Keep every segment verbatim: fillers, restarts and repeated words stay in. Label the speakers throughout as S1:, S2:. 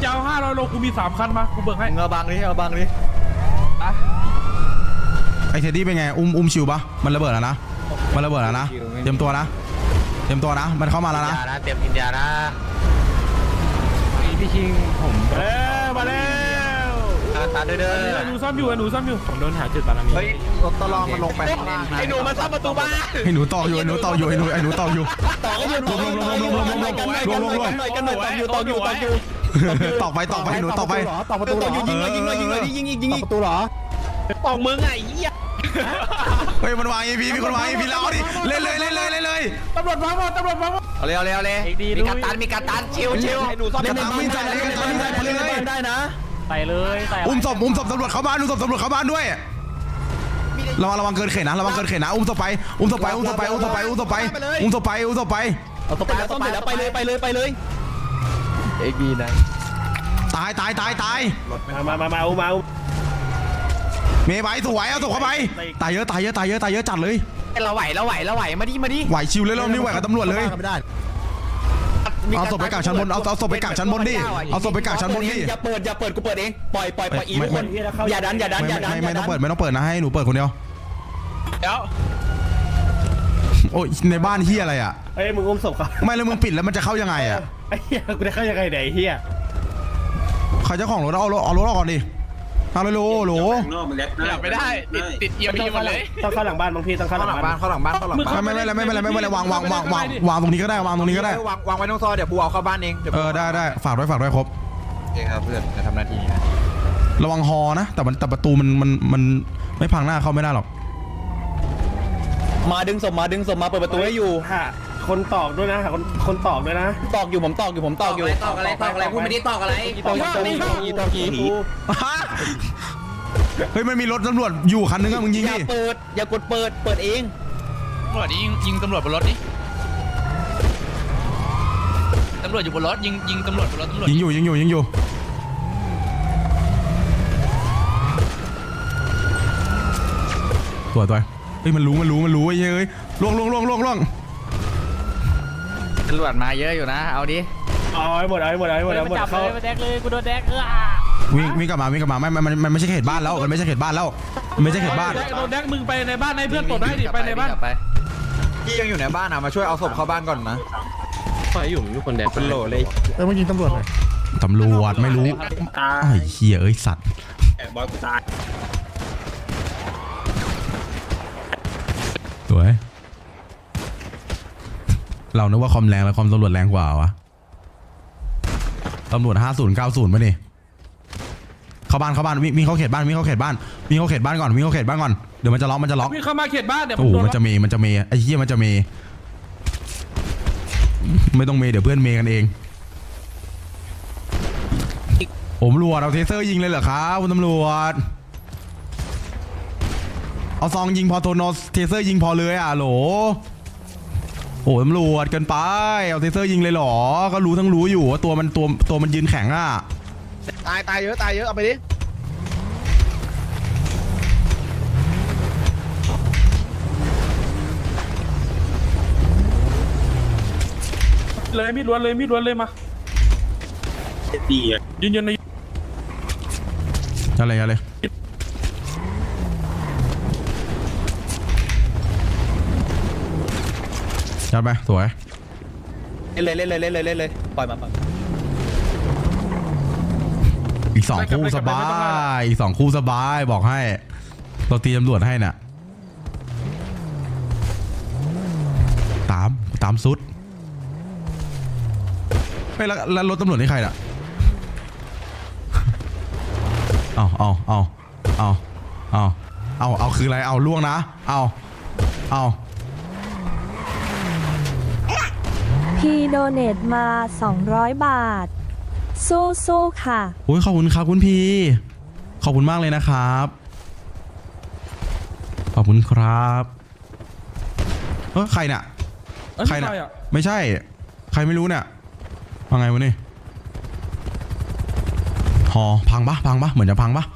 S1: จะเอาห้าร้อยโลกูมีสามคันมากูเบิกให้
S2: เอาบังดิเอาบังดิ
S3: ไอเทดดี้เป็นไงอุ้มอุ้มชิวปะมันระเบิดแล้วนะมันระเบิดแล้วนะเตรียมตัวนะเตรียมตัวนะมันเข้ามาแล้วนะ
S2: เตรียมกินยานะ
S4: พี่ชิงผม
S1: เอ้มาแล้ว
S2: ตาเด้อเด้อ
S1: หนูซ้ำอยู่หนูซ้ำอยู่
S4: ผมโดนหาจุดบารมี
S2: เฮ้ยรถตลองมันลงไปข้างล่างไอ้หนูมาซ่อมประตูบ้าน
S3: ไอ้หนูต่ออยู่ไอ้หนูต่ออยู่ไอ้หนูไอ้หนูต่ออยู่
S2: ต่อก็อยู่ลงลงลงลงลงลงลงลงลงลงกันหน่อยกันหน่อยต่ออยู่ต่ออยู่ต่ออยู่
S3: ต่อไปต่อไปหนูต่อไป
S2: ต่อประตูหรอยิงเลยยิงเลยยิงเลยยิงยิงยิงประตูหรอตอกมึงไงเหี้ย
S3: เฮ้ยมันวาง อี พี มีคนวาง อี พี แล้วดิเล่นเลยเล่นเลยเล่นเลย
S1: ตำรวจมาหมดตำรวจมาหมด
S2: เอาเลยเอาเลยเอาเลยมีกัปตันมีกัปตันชิวชิวไอ้หนูซ่อมกัปตันวิ่งใส่เลยกัปตันวิ่งใส่เลยได้นะ
S4: ใส่เลยใส่
S3: อุ้มศพอุ้มศพตำรวจเข้าบ้านอุ้มศพตำรวจเข้าบ้านด้วยระวังระวังเกินเขตนะระวังเกินเขตนะอุ้มศพไปอุ้มศพไปอุ้มศพไปอุ้มศพไปอุ้มศพไปอุ้มศพไปอุ้มศพไป
S2: เอาศพไปแล้วศพไปแล้วไปเลยไปเลยไปเลยเอ็กดีนะ
S3: ตายตายตายตาย
S1: มามามาเอามา
S3: เมย์ไปสวยเอาศพเข้าไปตายเยอะตายเยอะตายเยอะตายเยอะจัดเลย
S2: เราไหวเราไหวเราไหวมาดิมาดิ
S3: ไหวชิวเลยรอบนี้ไหวกับตำรวจเลยเอาศพไปกักชั้นบนเอาเอาศพไปกักชั้นบนดิเอาศพไปกักชั้นบนดิ
S2: อย่าเปิดอย่าเปิดกูเปิดเองปล่อยปล่อยปล่อยอีทุกคนอย่าดันอย่าดันอย่าดัน
S3: ไม่ต้องเปิดไม่ต้องเปิดนะให้หนูเปิดคนเดียว
S2: เดี๋ยว
S3: โอ้ยในบ้านเฮียอะไรอ่ะ
S1: เฮ้ยมึงอุ้มศพเขา
S3: ไม่แล้วมึงปิดแล้วมันจะเข้ายังไงอ่ะ
S1: ไอ้เฮียกูจะเข้ายังไงไหนเฮีย
S3: ใครเจ้าของรถเอารถเอารถออกก่อนดิเอาเลยโหลโหล
S2: อยากไม่ได้ติดติดเอียมหมดเลย
S1: ต้องเข้าหลังบ้านบางทีต้องเข้าหลังบ้าน
S2: เข้าหลังบ้านเข้าหลังบ้าน
S3: ไม่ไม่ไม่ไม่ไม่ไม่ไม่วางวางวางวางวางตรงนี้ก็ได้วางตรงนี้ก็ได้
S2: วางวางไว้ตรงซอยเดี๋ยวกูเอาเข้าบ้านเอง
S3: เออได้ได้ฝากด้วยฝากด้วยครบ
S2: โอเคครับเพื่อนจะทำหน้าที่นะ
S3: ระวังฮอนะแต่มันแต่ประตูมันมันมันไม่พังหน้าเข้าไม่ได้หรอก
S2: มาดึงศพมาดึงศพมาเปิดประตูให้อยู่
S1: ฮะคนตอกด้วยนะหาคนคนตอกด้วยนะ
S2: ตอกอยู่ผมตอกอยู่ผมตอกอยู่ตอกอะไรตอกอะไรพูดไม่ได้ตอกอะไรตอกตอกตอกตอกกี่
S3: เฮ้ยมันมีรถตำรวจอยู่คันนึงอะมึงยิงดิ
S2: อย่าเปิดอย่ากดเปิดเปิดเอง
S5: ตำรวจยิงยิงตำรวจบนรถดิตำรวจอยู่บนรถยิงยิงตำรวจบนรถตำรวจ
S3: ยิงอยู่ยิงอยู่ยิงอยู่ตัวตัวเฮ้ยมันรู้มันรู้มันรู้ไอ้เฮ้ยล่วงล่วงล่วงล่วงล่วง
S2: ตำรวจมาเยอะอยู่นะเอาดิ
S1: เอาไอ้หมดเอาไอ้หมดเอาไอ้หมดเอาหมด
S4: เขาแดกเลยกูโดนแดกเออ
S3: วิ่งวิ่งกลับมาวิ่งกลับมาไม่มันมันไม่ใช่เขตบ้านแล้วมันไม่ใช่เขตบ้านแล้วมันไม่ใช่เขตบ้าน
S1: โดนแดกมึงไปในบ้านให้เพื่อนตรวจได้ดิไปในบ้าน
S2: พี่ยังอยู่ในบ้านอ่ะมาช่วยเอาศพเข้าบ้านก่อนนะ
S4: ไฟอยู่มีคนแดก
S2: เป็นโหลเลย
S1: เออเมื่อกี้ตำรวจเลย
S3: ตำรวจไม่รู้ไอ้เหี้ยเอ้ยสัตว์
S1: บอยกูตาย
S3: สวยเรานึกว่าคอมแรงแล้วคอมตำรวจแรงกว่าวะตำรวจห้าศูนย์เก้าศูนย์ป่ะนี่เข้าบ้านเข้าบ้านวิ่งเข้าเขตบ้านวิ่งเข้าเขตบ้านวิ่งเข้าเขตบ้านก่อนวิ่งเข้าเขตบ้านก่อนเดี๋ยวมันจะล็อกมันจะล็อก
S1: วิ่งเข้ามาเขตบ้านเดี๋ยว
S3: โอ้โหมันจะเมย์มันจะเมย์ไอ้เหี้ยมันจะเมย์ไม่ต้องเมย์เดี๋ยวเพื่อนเมย์กันเองผมตำรวจเอาเทเซอร์ยิงเลยเหรอครับคุณตำรวจเอาซองยิงพอโทนอสเทเซอร์ยิงพอเลยอ่ะโหลโอ้ตำรวจเกินไปเอาเทเซอร์ยิงเลยหรอก็รู้ทั้งรู้อยู่ว่าตัวมันตัวตัวมันยืนแข็งอ่ะ
S2: ตายตายเยอะตายเยอะเอาไปดิ
S1: เลยมีดล้วนเลยมีดล้วนเลยมาดีอ่ะยืนยันใน
S3: อะไรอะไรจัดไปสวย
S2: เล่นเลยเล่นเลยเล่นเลยเล่นเลยปล่อยมาปล่อย
S3: อีกสองคู่สบายอีกสองคู่สบายบอกให้เราตีตำรวจให้น่ะตามตามสุดไม่แล้วแล้วรถตำรวจนี่ใครน่ะเอาเอาเอาเอาเอาเอาเอาคืออะไรเอาล่วงนะเอาเอา
S6: พี่โดเนทมาสองร้อยบาทสู้สู้ค่ะ
S3: โอ้ยขอบคุณครับคุณพี่ขอบคุณมากเลยนะครับขอบคุณครับเออใครเนี่ยใครเนี่ยไม่ใช่ใครไม่รู้เนี่ยว่าไงวะนี่หอพังปะพังปะเหมือนจะพังปะ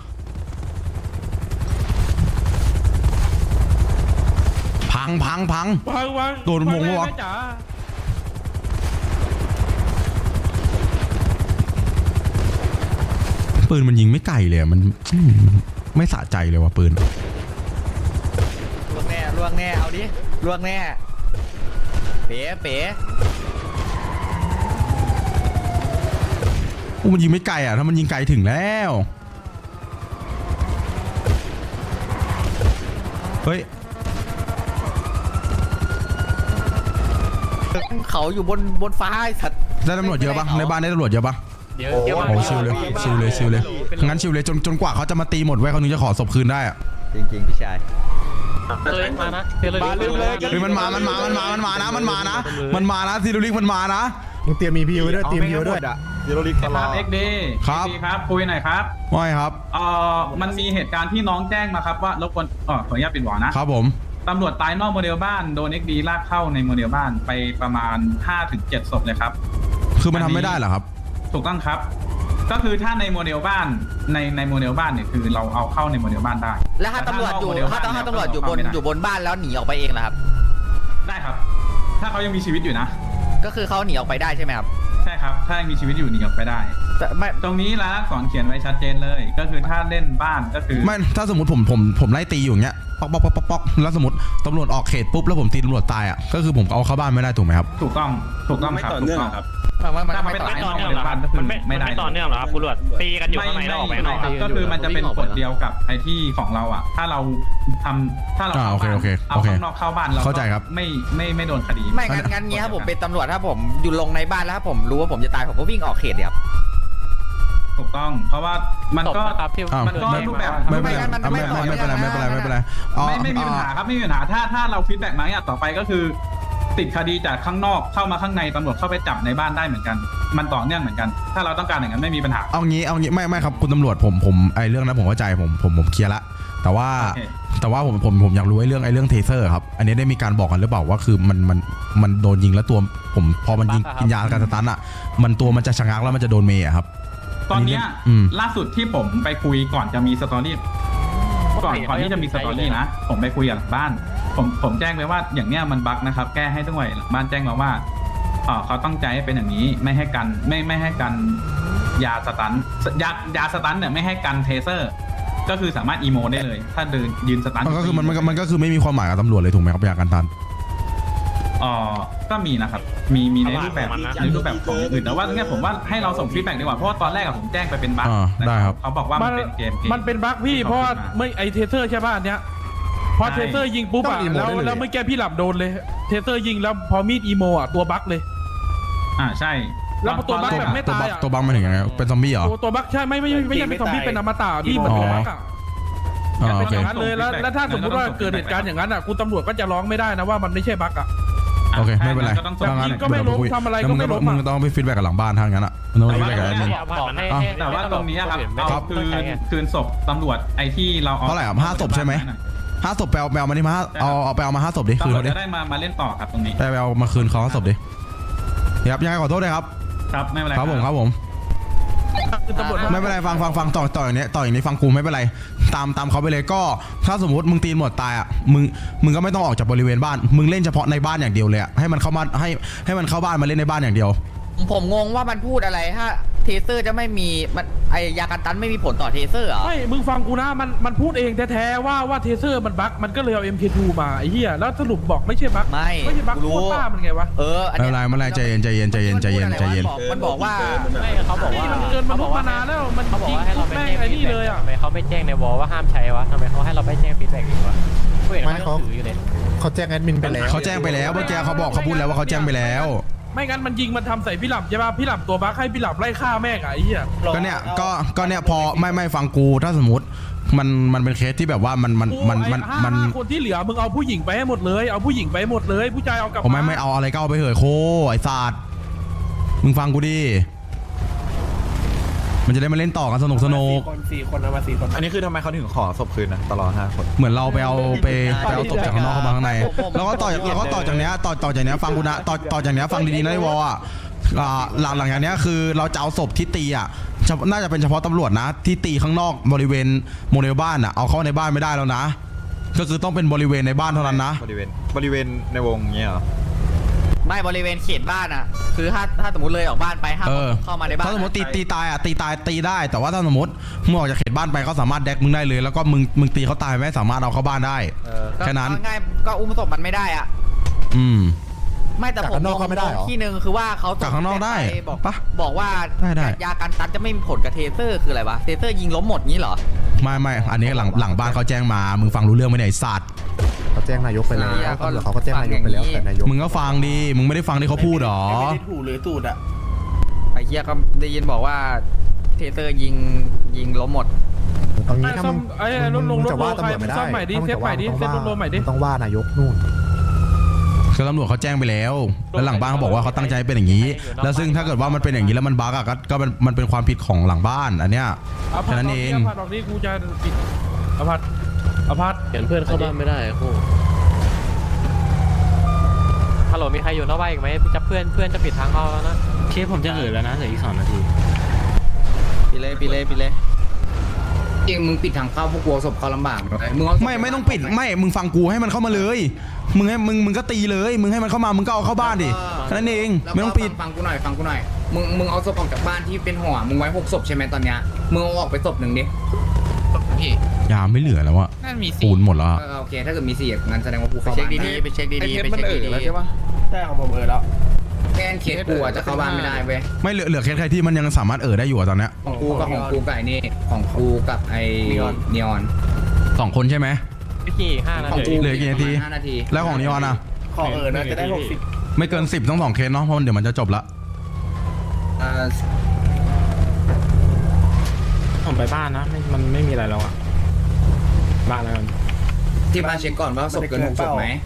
S3: พังพังพังโดนมงวะปืนมันยิงไม่ไกลเลยอะมันอืมไม่สะใจเลยว่ะปืน
S2: ล่วงแน่ล่วงแน่เอาดิล่วงแน่เป๋เป๋
S3: โอ้มันยิงไม่ไกลอ่ะถ้ามันยิงไกลถึงแล้วเฮ้ย
S2: เขาอยู่บนบนฟ้าไอ้สัตว์
S3: ได้ตำรวจเยอะปะในบ้านได้ตำรวจเยอะปะ
S4: เดี๋ยวเดี๋ยว
S3: โอ้ชิวเลยชิวเลยชิวเลยงั้นชิวเลยจนจนกว่าเขาจะมาตีหมดไว้เขาถึงจะขอศพคืนได้อะ
S2: จริงๆพี่ชาย
S4: เลยมานะเดี๋ยวเลย
S3: เฮ้ยมันมามันมามันมามันมานะมันมานะมันมานะซีดูลิกมันมานะ
S7: มึงเตรียมมีพีไว้ด้วยเตรียมพีไว้ด้วย
S1: ยูโรลิกครับเอ็กดี
S3: ครับ
S1: ครับคุยหน่อยครับ
S3: ไม่ครับ
S1: เอ่อมันมีเหตุการณ์ที่น้องแจ้งมาครับว่ารบกวนเออขออนุญาตปิดหวานะครับ
S3: ผม
S1: ตำรวจตายนอกโมเดลบ้านโดนเอ็กดีลากเข้าในโมเดลบ้านไปประมาณ ห้าถึงเจ็ด ศพเลยครับ
S3: คือมันทำไม่ได้เหรอครับ
S1: ถูกต้องครับ ก็คือถ้าในโมเดลบ้านในในโมเดลบ้านเนี่ยคือเราเอาเข้าในโมเดลบ้านได้
S2: แล้วถ้าตำรวจอยู่
S1: แนก
S2: ถ้า
S1: โมเดล
S2: ถ้าตำรวจอยู่บน
S1: เาเข้าไม่ได้
S2: อยู่บนบ้านแล้วหนีออกไปเองเหรอครับ
S1: ได้ครับ ถ้าเขายังมีชีวิตอยู่นะ
S2: ก็คือเขาหนีออกไปได้ใช่ไหมครับ
S1: ใช่ครับ ถ้ายังมีชีวิตอยู่หนีออกไปได้
S2: แต่ไม่
S1: ตรงนี้ร้านอักษรเขียนไว้ชัดเจนเลย ก็คือถ้าเล่นบ้านก็คือ
S3: ไม่ถ้าสมมติผมผมผมไล่ตีอยู่อย่างเงี้ยป๊อกป๊อกป๊อกป๊อกป๊อกแล้วสมมติตำรวจออกเขตปุ๊บแล้วผมตีตำรวจตายอ่ะก็คือผมเอาเข้าบ้านไม่ได้ถูกไหมครับ
S1: ถูกต้องถูกต้องครับถูกต้องครับ
S2: มันมัน
S1: ถ้ามัน
S2: ไม่
S1: ไม่
S2: ต่อ
S1: ตาย
S2: เนื่อง
S1: นอกโมเดลบ้านก็คือ
S4: มันไม่
S1: ไม่ได้
S4: ไม่ต่อเนื่องเหรอครับคุณตำรวจตีกันอยู่
S1: ไม่
S4: ข้างใน
S1: ไม่
S4: แล้วออกไป
S1: ไม่
S4: ข้างนอก
S1: ครับก็คือมันจะเป็นกฎเดียวกับไอ้ที่ของเราอ่ะ ถ้าเราทำถ้าเรา
S3: อ่า
S1: เข้า
S3: โอเค
S1: บ้าน
S3: โอเค
S1: เอา
S3: โอเค
S1: ข้างนอกเข้าบ้านเรา
S3: เข้าใจครับ
S1: ไม่ไม่ไม่โดนคดี
S2: ไม่งั้นงั้นเงี้ยครับผมเป็นตำรวจถ้าผมอยู่ลงในบ้านแล้วถ้าผมรู้ว่าผมจะตายผมก็วิ่งออกเขตเดียว
S1: ถูกต้อง เพราะว่ามัน
S4: ตบ
S1: ก็
S4: นะครับที่
S3: อ้าว
S1: มันก็
S3: ไม่
S1: รูปแบบ
S3: ไม่เป็นไรไม่ไม่เป็นไรไม่เป็นไรไม่เป็นไรอ๋อ
S1: ไม่ไม่มีปัญหาครับไม่มีปัญหาถ้าถ้าเราฟีดแบ็กมาอย่างต่อไปก็คือ ติดคดีจากข้างนอกเข้ามาข้างในตำรวจเข้าไปจับในบ้านได้เหมือนกัน มันต่อเนื่องเหมือนกัน ถ้าเราต้องการอย่างนั้นไม่มีปัญหา
S3: เอางี้เอางี้ไม่ไม่ครับคุณตำรวจผมผมไอเรื่องนั้นผมเข้าใจผมผมผมเคลียร์ละแต่ว่า
S1: โอเค
S3: แต่ว่าผมผมผมอยากรู้ไอ้เรื่องไอ้เรื่องเทเซอร์ครับอันนี้ได้มีการบอกกันหรือเปล่าว่าคือมันมันมันโดนยิงแล้วตัวผมพอมันยิงกินยาการสตันอ่ะมันตัวมันจะชะงักแล้วมันจะโดนเมย์อะครับ
S1: ตอนเนี้ย
S3: อืม
S1: ล่าสุดที่ผมไปคุยก่อนจะมีสตอรี่ก่อนก่อนที่จะมีสตอรี่นะผมไปคุยกับหลังบ้าน ผมผมแจ้งไปว่าอย่างเนี้ยมันบั๊กนะครับแก้ให้ด้วยหลังบ้านแจ้งมาว่าเออเขาตั้งใจให้เป็นอย่างนี้ไม่ให้กันไม่ไม่ให้กันยาสตันยายาสตันเนี่ยไม่ให้กันเทเซอร์ ก็คือสามารถอีโมได้เลย ถ้าเดินยืนสตัน
S3: มันก็คือมันมันมันก็คือไม่มีความหมายกับตำรวจเลยถูกไหมครับยาการตัน
S1: อ๋อก็มีนะครับมีมีในรูปแบบในรูปแบบของอื่นแต่ว่าเนี่ยผมว่าให้เราส่งฟีดแบ็กดีกว่าเพราะว่าตอนแรกอะผมแจ้งไปเป็นบั๊ก
S3: อ่าได้ครับ
S1: เขาบอกว่ามันเป็นเกมเกม
S8: มันเป็นบั๊กพี่เพราะว่าไม่ไอเทเซอร์ใช่ป่ะอันเนี้ยพอ
S1: ใช่
S8: เทเซอร์ยิงปุ๊บอะ
S7: ต้องอีโม
S8: แล้ว
S7: ได้เลย
S8: แล้วเมื่อกี้พี่หลับโดนเลยเทเซอร์ยิงแล้วพอมีดอีโมอะตัวบั๊กเลย
S1: อ่าใช่
S8: แล้วตัวบั๊ก
S1: ตอน
S8: แบ
S1: ร
S8: บ
S1: ก
S8: ไม่
S3: ตัว
S8: ตาย
S3: บัก
S8: อะ
S3: ตัวบักมาถึงยังไงเป็นซอมบี้เหรอ
S8: ตัวตัวบั๊กใช่ไม่ไม่ไม่ไม่ใช่เป็นซอมบี้เป็นอมตะพี่เหมือนเป็นบั๊กอะ
S3: อ๋อโอ
S8: เป็น
S3: เค
S8: อย่างนั้นเลยแล้วแล้วถ้าสมมติว่าเกิดเหตุการณ์อย่างนั้นอะคุณตำรวจก็จะร้องไม่ได้นะว่ามันไม่ใช่บั๊กอะ
S3: โอเคไม่เป็นไร
S1: ก็ต้อง
S8: แบบยิงก็ไม่ล้มทำอะไรก็ไม่ล้มอะ
S3: มึงต้องไปฟีดแบ็กกับหลังบ้านทางนั้นอ่ะมึงต้องฟีดแบ็กกับแอดมิน
S4: บอกให้
S3: อ่ะ
S4: ให้
S1: แต่ว่าตรงนี้ครับ
S4: ไม่
S1: เอา
S4: ต้อง
S1: คืน
S4: ใช้ไง
S1: คืนศพตำรวจไอ้ที่เราเอา
S3: เท่าไหร่ครับห้าศพใช่ไหม ห้าศพไปเอาไปเอามานี่มาห้าเอาเอาไปเอามาห้าศพดิคืน
S1: ตำรวจ
S3: เขาดิ
S1: จะได้มามาเล่นต่อครับตรงนี้
S3: ไปไปเอามาคืนเขาห้าศพดิครับยังไงขอโทษด้วยครับ
S1: ครับไม่เป็นไร
S3: ครับผมครับผม
S8: คือตำรวจ
S3: ไม่เป็นไรฟังฟังฟังต่อต่ออย่างนี้ต่ออย่างนี้ฟังกูไม่เป็นไรตามตามเขาไปเลยก็ถ้าสมมติมึงตีหมดตายอ่ะมึงมึงก็ไม่ต้องออกจากบริเวณบ้านมึงเล่นเฉพาะในบ้านอย่างเดียวเลยอ่ะให้มันเข้ามาให้ให้มันเข้าบ้านมาเล่นในบ้านอย่างเดียว
S2: ผมงงว่ามันพูดอะไรถ้าเทเซอร์จะไม่มีมันไอยากันตันไม่มีผลต่อเทเซอร์เหรอ
S8: ไม่มึงฟังกูนะมันมันพูดเองแท้ๆว่าว่าเทเซอร์มันบั๊กมันก็เลยเอา เอ็ม เค ทู มาไอ้เหี้ยแล้วสรุปบอกไม่ใช่บั๊ก
S2: ไม่
S8: ไม่ใช่บั๊ก
S2: กูรู้
S8: โคตรป้ามันไงวะ
S2: เอออัน
S3: ไม่
S2: เนี้
S3: เป็น
S2: ย
S3: ไรไม่เป็นไรใจเย็นใจเย็นใจเย็นใจเย็นใจเย็น
S2: มันบอกว่า
S4: ไม่เขาบอก
S8: นี่
S4: ว่า
S8: มันเกินมนุษย์มานานแล้วมัน
S4: เขาบอก
S8: ยิง
S4: ว่าให้เรา
S8: ปุ๊บ
S4: ไป
S8: แม่ง
S4: แจ้ง
S8: ไอ้นี่เลยอ่ะ
S4: ทำไมเขาไม่แจ้งในวอลว่าห้ามใช้วะทำไมเขาให้เราไปแจ้งฟีดแบ็กอีกวะกูเห็น
S7: ไม่
S4: เขา
S7: เขา
S4: ถืออยู่เลย
S7: เขาแจ้งแอดมินไปแล้ว
S3: เขาแจ้งไปแล้วเมื่อกี้เขาบอกเขาพูดแล้วว่าเขาแจ้งไปแล้ว
S8: ไม่งั้นมันยิงมันทำใส่พี่หลับใช่ป่ะพี่หลับตัวบั๊กให้พี่หลับไล่ฆ่าแม่งอะไอ้เหี้ย
S3: ก็เนี่ยก็ก็เนี่ยพอไม่ไม่ฟังกูถ้าสมมติมันมันเป็นเคสที่แบบว่ามันมันมันมัน
S8: ไอ้
S3: มัน
S8: ห้าคนที่เหลือมึงเอาผู้หญิงไปให้หมดเลยเอาผู้หญิงไปให้หมดเลยผู้ชายเอากลับ
S3: ผมไม่ไม่เอาอะไรก็เอาไปเหอะโคไอ้ศาสตร์มึงฟังกูดิมันจะได้มาเล่นต่อกันสนุกสนุก
S8: คนสี่คนเอามาสี่คน
S9: อันนี้คือทำไมเขาถึงขอศพคืนนะตลอดห้าคน
S3: เหมือนเราไปเอาไปไปเอาศพจากข้างนอกเข้ามาข้างในแล้วก็ต่อแล้วก็ต่อจากเนี้ยต่อต่อจากเนี้ยฟังกูนะต่อต่อจากเนี้ยฟังดีๆนะไอ้วอลอ่ะอ่าหลังหลังจากเนี้ยคือเราจะเอาศพที่ตีอ่ะเฉพาะน่าจะเป็นเฉพาะตำรวจนะ ที่ตีข้างนอกบริเวณโมเดลบ้านอ่ะเอาเข้าในบ้านไม่ได้แล้วนะ ก็คือต้องเป็นบริเวณในบ้านเท่านั้นนะ
S9: บริเวณบริเวณในวงเงี้ยเหรอ
S2: ไม่บริเวณเขตบ้านอ่ะคือถ้าถ้าสมมติเลยออกบ้านไปห้าม
S3: เออ
S2: เข้ามาในบ้าน
S3: ถ้าสมมติตีตีตายอ่ะตีตายตีได้แต่ว่าถ้าสมมติมึงออกจากเขตบ้านไปเขาสามารถแดกมึงได้เลย แล้วก็มึงมึงตีเขาตายไม่สามารถเอาเข้าบ้านได้
S2: ก็
S3: แค่นั้น
S2: ก็ง่ายก็อุ้มศพมันไม่ได้อ่ะ
S3: อืม
S2: ไม่แต่ผมมองที่หนึ่งคือว่าเขา
S3: จากข้างนอกได้
S2: ปบอก
S3: ปะ
S2: บอกว่า
S3: ได้ได้
S2: ยากันตันจะไม่มีผลกับเทเซอร์คืออะไรวะเทเซอร์ยิงล้มหมดงี้เหรอ
S3: ไม่ไม่อันนี้หลังหลังบ้านเขาแจ้งมามึงฟังรู้เรื่องไหมเนี่ยไอ้สัตว์
S7: เขาแจ้งนายกไปแล้ว
S2: อ่า
S7: ตำรวจเขาก็แจ้งนายกไปแล้วแต่นายก
S3: มึงก็ฟังดีมึงไม่ได้ฟังที่เขาพูดหรอ
S8: ถูหรือตูดอ่ะ
S2: ไอ้เหี้ยก็ได้ยินบอกว่าเทเซอร์ยิงยิงล้มหมด
S7: ตรงนี้ถ้า
S8: ซ่
S7: มึ
S8: อม
S7: ง
S8: ไอ้
S7: มึง
S8: ลง
S7: มึง
S8: รถ
S7: จะ
S8: โล
S7: ว่า
S8: ใคร
S7: ตำรวจไม่ได้
S8: ซ่อมใหม่ดิ
S7: ถ้า
S8: เซฟใหม่ดิ
S7: มึง
S8: เซฟ
S7: จะ
S8: รถโลใหม่ดิ
S7: มึงต้องว่านายกนู่น
S3: คือตำรวจเขาแจ้งไปแล้ว แล้วหลังบ้านเขาบอกว่าเขาตั้งใจเป็นอย่างนี้ แล้วซึ่งถ้าเกิดว่ามันเป็นอย่างนี้แล้วมันบั๊กอะก็ก็มันมันเป็นความผิดของหลังบ้านอันเนี้ย
S8: เอา
S3: แค่
S8: พัด
S3: นั้น
S8: อ
S3: เอ
S8: อก
S3: ง
S8: นี่เอาพัดออกนี่กูจะปิดเอาพัดเอาพัด
S4: เห็นเพื่อนเข้าบ้านไม่ได้คู่ฮัลโหลมีใครอยู่นอกบ้านอีกไหมจะเพื่อนเพื่อนจะปิดทางเข้าแล้วนะเคสผมจะเอ่ยแล้วนะเหลืออีกสองนาที
S2: ปีเลยปีเลยปีเลย
S10: จริงมึงปิดทางเข้าพวกกลัวศพเขาลำบากเลยมึง
S3: ไม่ไม่ต้องปิดไม่มึงฟังกูให้มันเข้ามาเลยมึงให้มึงมึงก็ตีเลยมึงให้มันเข้ามามึงก็เอาเข้าบ้านดิแค่นั้นเองไม่ต้องปิด
S10: ฟังกูหน่อยฟังกูหน่อยมึงมึงเอาศพออกจากบ้านที่เป็นห่อมึงไว้หกศพใช่ไหมตอนเนี้ยมึงเอาออกไปศพหนึ่งดิ
S5: พี่
S3: ยาไม่เหลือแล้วอะ
S5: นั่นมี
S3: ปู
S5: สี่
S3: นหมดแล้วอะ
S10: เออโอเคถ้าเกิดมีสี่งั้นแสดงว่ากู
S2: ไป
S10: เข้า
S2: เช็ค
S10: บ้าน
S2: ดีๆไปเช็คดีๆไปเช็คดีๆ
S8: ใช่ของผมเออแล้ว
S10: แค่เคสกูอะจะเข้าบ้านไม่ได้เว้ย
S3: ไม่เหลือเหลือแค่ใครที่มันยังสามารถเอ่อได้อยู่อะตอนเนี้ย
S10: ของกูกับของกูกับไอ้นี่ของกูกับไอ้นีออน
S3: สองคนใช่ไหม
S4: พี่กี่ห้านา
S10: ของ
S4: ที
S10: กู
S3: เหลือกี่นาที
S10: ห้านาที
S3: แล้วของนิออนอะ
S8: ขอเออนะจะได้หกสิบ
S3: ไม่เกินสิบต้องสองเคสเนาะเพราะมันเดี๋ยวมันจะจบละ
S10: เอ่อ
S4: ผมไปบ้านนะไม่มันไม่มีอะไรแล้วอะบ้านแล้วกัน
S10: ที่บ้านเช็คก่อนว่าศพเกินหกศพไหม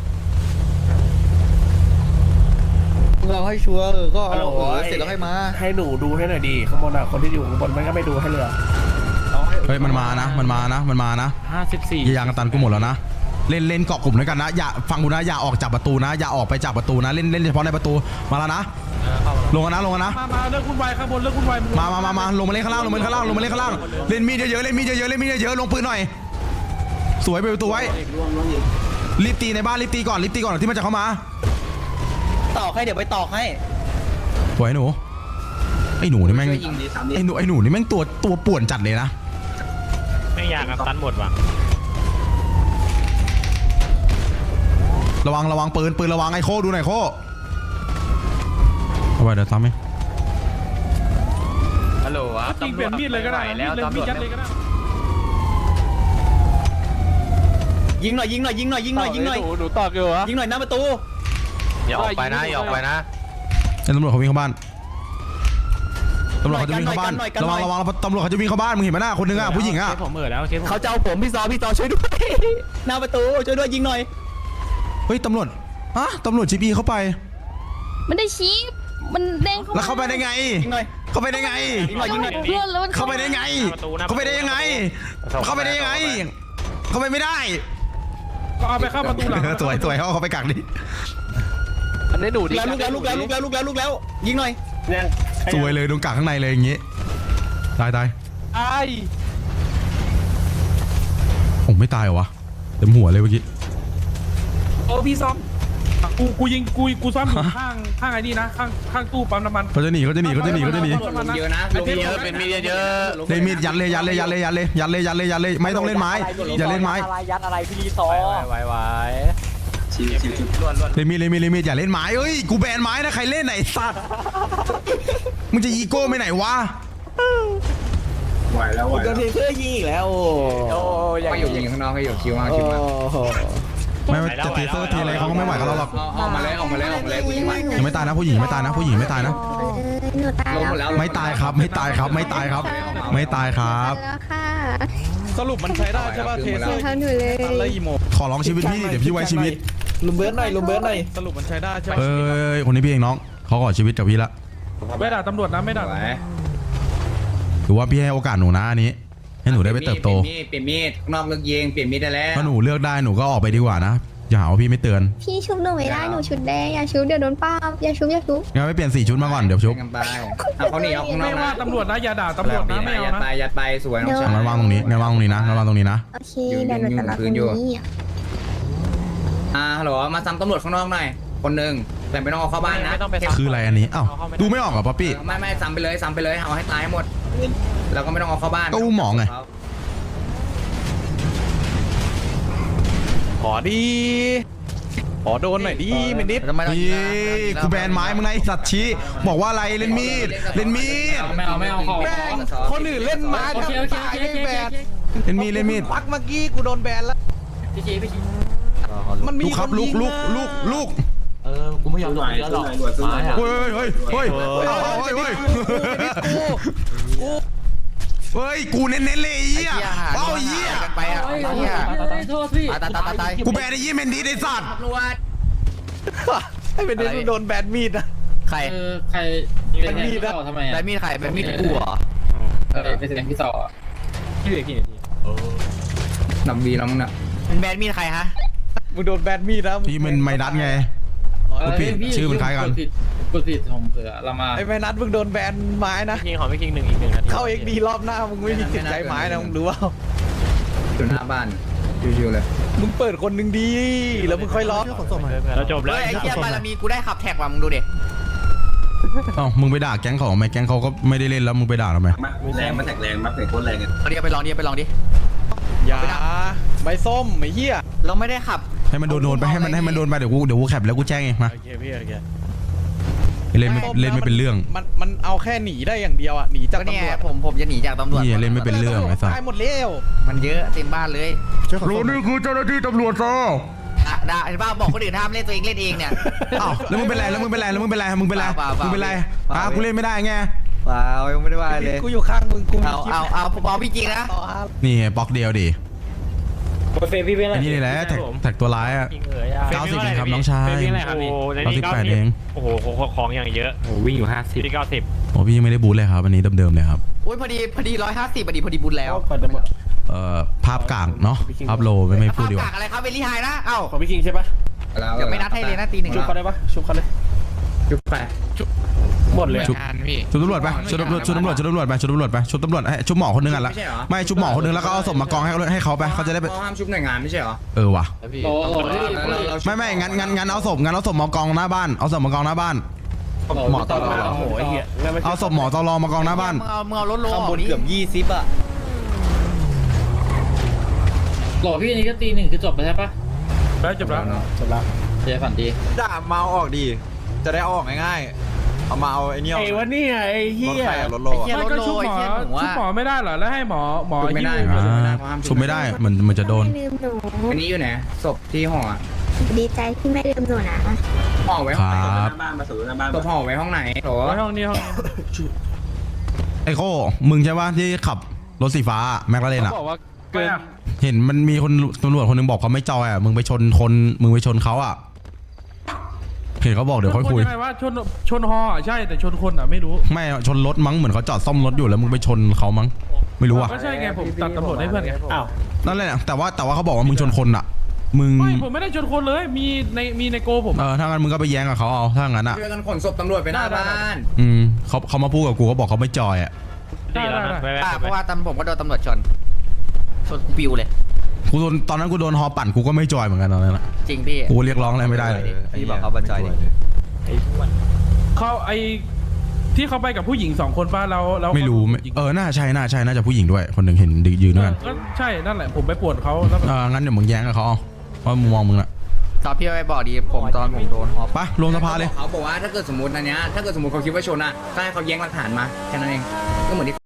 S2: เราให้ชัวร์เออก็เอาเออเสร็จแล้วให้มา
S8: ให้หนูดูให้หน่อยดีข้างบนอ่ะคนที่อยู่ข้างบนมันก็ไม่ดูให้เลย
S3: เฮ้ยมันมานะมันมานะมันมานะ
S4: ห้าสิบสี่
S3: ยางกันตันกูหมดแล้วนะเล่นเล่นเกาะกลุ่มด้วยกันนะอย่าฟังกูนะอย่าออกจากประตูนะอย่าออกไปจากประตูนะเล่นเล่นเฉพาะในประตูมาแล้วนะลงกันนะลงกันนะ
S8: มามาเลิกคุณวายข้างบนเลิกคุณวาย
S3: มามามามาลงมาเล่นข้างล่างลงมาเล่นข้างล่างลงมาเล่นข้างล่างเล่นมีดเยอะๆเล่นมีดเยอะๆเล่นมีดเยอะๆลงปืนหน่อยสวยไปประตูไว้รีบตีในบ้านรีบตีก่อนรีบตีก่อนที่มันจะเข้ามา
S2: ตอกให้เดี๋ยวไปตอกให้
S3: สวยหนูไอ้หนูนี่แม่ง
S10: ช่วยยิงดีสามดิ
S3: ไอ้หนูไอ้หนูนี่แม่งตัวตัวป่วนจัดเลยนะ
S4: ไม่อยากกับตันหมดว่ะ
S3: ระวังระวังปืนปืนระวังไอ้โคดูหน่อยโคเอาไปเดี๋ยวทำไหม
S4: ฮัลโหลวะ
S8: จริงเปลี่ยนมีดเลยก็ได้แล้วตำรวจยัดเลยก็ได้
S2: ยิงหน่อยยิงหน่อยยิงหน่อยยิงหน่อยยิงหน่อย
S4: หนูตอกอยู่วะ
S2: ยิงหน่อยหน้าประตู
S4: อย่าออกไปนะอย่าออกไปนะ
S3: ไอ้ตำรวจเขาวิ่งเข้าบ้านตำรวจเขาจะวิ่งเข้าบ้านระวังระวังตำรวจเขาจะวิ่งเข้าบ้านมึงเห็นไหมหน้าคนนึงอ่ะผู้หญิงอ่ะ
S4: เคสผมเอ่ยแล้วเคสผม
S2: เขาจะเอาผมพี่ซอพี่ซอช่วยด้วย หน้าประตูช่วยด้วยยิงหน่อย
S3: เฮ้ยตำรวจอะตำรวจจีบีเข้าไป
S6: มันได้ชี้มันเด้ง
S3: แล้วเข้าไปได้ไง
S2: ยิงหน่อย
S3: เข้าไปได้ไง
S2: ยิงหน่อยยิงหน่อย
S6: เพื่อนแล้วมัน
S3: เข้าไปได้ไง เข้าไปได้ยังไง เข้าไปได้ยังไง เข้าไปไม่ได้
S8: ก็เอาไปเข้าประตูหลัง
S3: สวยสวยเขาเอาเขาไปกักดิ
S4: อันนี้หนูดิ
S2: แล้วลูกแล้วลูกแล้วลูกแล้วลูกแล้วลูกแล้วยิงหน่อย
S3: สวยเลยโดนกักข้างในเลยอย่างงี้ตายตาย
S8: ไอ้
S3: โอ้ไม่ตายเหรอวะเต็มหัวเลยเมื่อกี้
S8: โอ้พี่ซ้อมกูกูยิงกูกูซ้อมอยู่ข้างข้างไอ้นี่นะข้างข้างตู้ปั๊มน้ำมัน
S3: เขาจะหนีเขาจะหนีเขาจะหนีเขาจะหนี
S10: ลงเยอะนะลงเยอะ
S4: เป็นมีดเยอะ
S3: เลยมีดยัดเลยยัดเลยยัดเลยยัดเลยยัดเลยยัดเลยยัดเลยไม่ต้องเล่นไม้อย่าเล่นไม้
S4: ยัดอะไรพี่รีซอไว้ไว้
S3: เลยมีดเลยมีดเลยมีดอย่าเล่นไม้เอ้ยกูแบนไม้นะใครเล่นไหนสัตว์มึงจะอีโก้ไปไหนวะ
S10: ไหวแล้วไหว
S2: โด
S10: แล้ว
S2: นเทเซอร์ยิงอีกแล้วโอ้
S4: โอ้ย
S10: ก็อยู่ยิงข้างนอกให้อยู่คิวมากคิวมาก
S3: ไม่ไม่จะเทเซอร์ทีอะไรเขาก็ไม่ไหวกับเราหรอก
S10: เอาเอามาเลยเอามาเลยเอามาเลยกูยิงไหว
S3: ยังไม่ตายนะผู้หญิงไม่ตายนะผู้หญิงไม่ตายนะ
S6: หนูตาย
S10: ลงหมด
S6: แล้
S10: แล้ว ว
S3: ไม่ตายครับไม่ตายครับไม่ตายครับ ไม่ตายครับ
S6: วค่ะ
S8: สรุปมันใช้ได้ใช่ป่ะเทเซอร์
S6: ทำหนูเลย
S8: อะไรอีโม
S3: ขอร้องชีวิตพี่ดิเดี๋ยวพี่ไว้ชีวิต
S2: ลุมเบิร์ดหน่อยลุมเบิร์ดหน่อย
S8: สรุปมันใช้ได้ใช่
S3: เอ้ยคนนี้พี่เองน้องเขาขอชีวิตกับพี่ละ
S8: ไม่ด่าตำรวจนะไม่ด่า
S10: ไหว
S3: ถือว่าพี่ให้โอกาสหนูนะอันนี้ ให้หนูได้ไปเติบโต
S10: เปลี่ยนมีดเปลี่ยนมีดข้างนอกเลิกยิงเปลี่ยนมีดได้แล้ว
S3: ถ้าหนูเลือกได้หนูก็ออกไปดีกว่านะอย่าหาว่าพี่ไม่เตือน
S6: พี่ชุบหนูไม่ได้หนูชุดแดงอย่าชุบเดี๋ยวโดนป้าบอย่าชุบอย่าชุบ
S3: งั้นไม่เปลี่ยนสีชุดมาก่อนเดี๋ยวชุบ
S10: กันไปเอาเขาหนีเอาข้างนอ
S8: ไม่
S10: ก
S8: ว่า
S10: นะ
S8: ตำรวจนะอย่าด่าตำรวจนะไม่เอา
S10: ยัด
S8: นะ
S10: ไปยัดไปสวยน้องชาย
S3: งั้นวางตรงนี้งั้นวางตรงนี้นะงั้นวางตรงนี้นะ
S6: โอเคเดี๋ยวหนูจะรับตรงนี้
S10: อ่าฮัลโหลมาซ้ำตำรวจข้างนอกหน่อยคนหนึ่งแต่ไม่ต้องเอาเข้าบ้านนะ
S4: ไม่ต้องไป
S3: คืออะไรอันนี้อ้าวดูไม่ออกเหรอป๊อปปี้
S10: ไม่ไม่ซ้ำไปเลยซ้ำไปเลยเอาให้ตายให้หมด แล้วก็ไม่ต้องเอาเข้าบ้าน
S3: ก็อุ้มหมอไง
S9: ขอดีขอโดนหน่อยดิมินิด
S3: นี่กูแบนไม้มึงไงไอ้สัตว์ชี้บอกว่าอะไรเล่นมีดเล่นมีด
S10: ไม่เอาไม่เอาเข้า
S9: แม่งคนอื่นเล่นไม้ทำตายไม่แบน
S3: เล่นมีดเล่นมีด
S9: พักเมื่อกี้กูโดนแบนแล้ว
S4: พี่ชีพี่ชี
S9: มันมี
S3: ลูกครับลูกลูกลูกลูก
S4: เออกูไม่ยอมเยอะหรอกไม้อะ
S3: เฮ้ยเฮ้ยเฮ้ยเฮ้ยเฮ้ยเฮ้ยเฮ้ยกูเน้นๆเลยไอ้เหี้ยเอ้าไอ้เหี้ย
S10: กันไปอ่ะเหี้ย
S4: โทษพี่
S10: ตายตายตายตาย
S3: กูแบนไอ้ยี่เมนดีไอ้สัตว์
S10: ตำรวจ
S9: ให้เป็นเด็กโดนแบนมีดนะ
S10: ใคร
S4: ใคร
S9: เป็นมีดนะ
S4: ทำไม
S10: แบนมีดใครแบนมีดกูเหรอ
S4: เออเป็นเสียงพี่ต่อพี่เอกกี่นาที
S10: นำบีแล้วมึงน่ะแบนมีดใครฮะ
S9: มึงโดนแบนมีดนะ
S3: พี่มันไม่ดัดไง กูผิดชื่อมันคล้ายกัน
S4: กดผิดผมเผื่อละมา
S9: ไอ้แม่นัทมึงโดนแบนไม้นะ
S4: คิงขอไม่คิงหนึ่งอีกหนึ่งนาที
S9: เข้าเอ็กดีรอบหน้ามึงไม่มีสิทธิ์ใจไม้นะมึงรู้ว่า
S10: อยู่หน้าบ้านชิวๆเลย
S9: มึงเปิดคนหนึ่งดีแล้วมึงค่อยล็อก
S4: เราจบแล้ว
S10: เฮ้ยไอ้เหี้ยบารมีกูได้ขับแท็กว่ะมึงดูดิ
S3: เอ้ามึงไปด่าแก๊งเขาทำไมแก๊งเขาก็ไม่ได้เล่นแล้วมึงไปด่าทำไม
S2: แรงมาแตกแรงมาเตะโคตรแรง
S10: เอาดิเอาไปลองดิเอาไปลองดิ
S9: อย่าใบส้มไอ้เหี้ย
S10: เราไม่ได้ขับ
S3: ให้มันโดนโดนไปให้มันให้มันโดนไปเดี๋ยวกูเดี๋ยวกูแคปแล้วกูแจ้งเองมา
S9: โอเคพี่โอเค
S3: เล่นไม่เล่นไม่เป็นเรื่อง
S9: มันมันเอาแค่หนีได้อย่างเดียวอ่ะหนีจาก
S10: ก็เนี่ย
S9: ตำรวจ
S10: ผมผมจะหนีจากตำรวจ
S3: เหี้ยเล่นไม่เป็นเรื่องไอ้สัส
S9: ตายหมดแล้ว
S10: มันเยอะเต็มบ้านเลย
S3: รู้นี่คือเจ้าหน้าที่ตำรวจซะ
S10: ด่าด่าไอ้บ้าบอกคนอื่นห้ามเล่นตัวเองเล่นเองเนี่ย
S3: อ้าวแล้วมึงเป็นไรแล้วมึงเป็นไรแล้วมึงเป็นไรมึงเป็นไร
S10: เปล่าเปล่า
S3: มึงเป็นไร
S10: เปล่า
S3: อ่ะกูเล่นไม่ได้ไง
S2: เปล่ายังไม่ได้ว่าเลย
S9: กูอยู่ข้างมึงกู
S10: เอาเอาเอาผมเอาพี่จริงนะ
S9: ต่อครับ
S3: นี่ไงบล็อกเดียวดิ
S4: เฟพี่เป็นอะไร
S3: ไอ้นี่แหละแท็กแท็กตัวร้ายอ่ะ
S4: คิงเอ๋ย
S3: เก้าสิบเองครับน้องชาย
S4: เป็นอะไรครับพี่
S3: เก้าสิบแปดเอง
S4: โอ้โหของอย่างเยอะโอ้วิ่งอยู่ห้าสิบพี่เก้าสิบ
S3: โอ้พี่ยังไม่ได้บูทเลยครับอันนี้เดิมๆเลยครับ
S10: อุ้ยพอดีพอดีร้อยห้าสิบพอดีพอดีบุญแล้ว
S3: เอ่อภาพกลางเนาะภาพโลไม่ไม่พูดดีก
S10: ภาพ
S3: ว่า
S10: กากอะไรครับเวลี่ไฮนะเอ้า
S4: ของพี่คิงใช่ปะ
S10: เดี๋ยวไม่นัดให้เลยนะตีหนึ่ง
S4: ชุบเขาได้ปะชุบเขาเลย
S10: จุบไป
S4: หมดเลย
S3: ชุบ
S5: งานพี่
S3: ชุบตำรวจไปชุบตำรวจชุบตำรวจชุบตำรวจไปชุบตำรวจไปชุบตำรวจให้ชุบหมอคนนึงอ่ะละไม่ชุบหมอคนนึงแล้วก็เอาศพมากองให้เขาให้เขาไปเขาจะได้ไป
S10: ห้ามชุบหน่วยงานไม่ใช่เหรอ
S3: เออว่ะ
S4: โอ้โห
S3: ไม่ไม่งั้นงั้นงั้นเอาศพงั้นเอาศพมากองหน้าบ้านเอาศพมากองหน้าบ้าน
S4: หมอตลอดโอ้โหไอ้เหี้ย
S3: เอาศพหมอตลอมากองหน้าบ้าน
S10: มึงเอามึงเอารถโล
S9: ข้างบนเกือบยี่สิบอ่ะ
S4: หล่อพี่นี่ก็ตีหนึ่งคือจบไปใช่ปะ
S8: แล้วจบแล้ว
S9: จบแล้ว
S4: เจ๊ฝันดี
S9: ด่าเมาออกดีจะได้เอาออกง่ายๆเอามาเอาไอ้เนี่ย
S4: ไอ้วันนี้ไอ้
S9: ร
S4: เหี้
S9: ถ
S4: ย
S9: ใครอะรถโล
S10: เหี้ย
S9: อะ
S10: รถ
S8: ก็
S10: โล
S8: ชุบห
S10: ไอ้
S8: มอ
S10: เหี้ยหนู
S8: ชุบ
S10: ว่า
S8: หมอไม่ได้เหรอแล้วให้หมอหมอ
S10: ชุบไม่ได้
S8: หิ้ว
S3: อ่าชุบไม่ได้เหมือนมันจะโดน
S6: ลืมหนู
S10: อันนี้อยู่ไหนศพที่ห่อ
S6: ดีใจที่ไม่ลืมหนูนะ
S10: ห่อไว้
S3: ค
S10: ห้องไหน
S3: รับ
S10: ศพห่อไว้ห้องไหนโถ
S8: ไว้ห้องนี้ห้องนี้
S3: ไอโค้มึงใช่ปะที่ขับรถสีฟ้าแม็กลาเรนอ่ะ
S4: บอกว่าเกิน
S3: เห็นมันมีคนตำรวจคนหนึงบอกเขาไม่จอยอ่ะมึงไปชนคนมึงไปชนเขาอ่ะเห็นเขาบอกเดี๋ยวค่อยคุย
S8: ชนงไงวะชนชนฮออ่ะใช่แต่ชนคนอ่ะไม่รู้
S3: ไม่ชนรถมั้งเหมือนเขาจอดซ่อมรถอยู่แล้วมึงไปชนเขามั้งไม่รู้อ่ะ
S8: ก็ใช่ไงผมตัดตำรวจให้เพื่อนไงอ้าว
S3: นั่นแหละแต่ว่าแต่ว่าเขาบอกว่ามึงชนคนอ่ะ มึง
S8: ไม่ผมไม่ได้ชนคนเลยมีในมีในโกผม
S3: เออถ้างั้นมึงก็ไปแย้งกับเขาเอาถ้างั้นอ่ะ
S10: ช่วยกันขนศพตำรวจไปหน้าบ้าน
S3: อืมเขาเขามาพูดกับกูเขาบอกเขาไม่จอยอ่ะ
S8: ได้ได้ได้
S10: อ่ะเพราะว่าตำผมก็โดนตำรวจชนชนกูปิวเลย
S3: กูโดนตอนนั้นกูโดนฮอปั่นกูก็ไม่จอยเหมือนกันตอนนั้นอะ
S10: จริงพี่
S3: กูเรียกร้องอะไรไม่ได้เลย
S2: พี่บอกเขาบรรจัยดิ
S8: เขาไอที่เขาไปกับผู้หญิงสองคนป่ะเราเรา
S3: ไม่รู้ไม่เออน่าใช่น่าใช่น่าจะผู้หญิงด้วยคนหนึ่งเห็นยืนด้วยกัน
S8: ก็ใช่นั่นแหละผมไปปวดเขาแล้วแบบ
S3: เอองั้นเดี๋ยวมึงแย้งกับเขาเอาเพราะมุมมองมึงอะ
S10: ตอนพี่ไปบอกดีผมตอนผมโดนฮอ
S3: ไปรวมสภาเลย
S10: เขาบอกว่าถ้าเกิดสมมติอันเนี้ยถ้าเกิดสมมติเขาคิดว่าชนอ่ะก็ให้เขาแย้งหลักฐานมาแค่นั้นเองก็เหมือนที่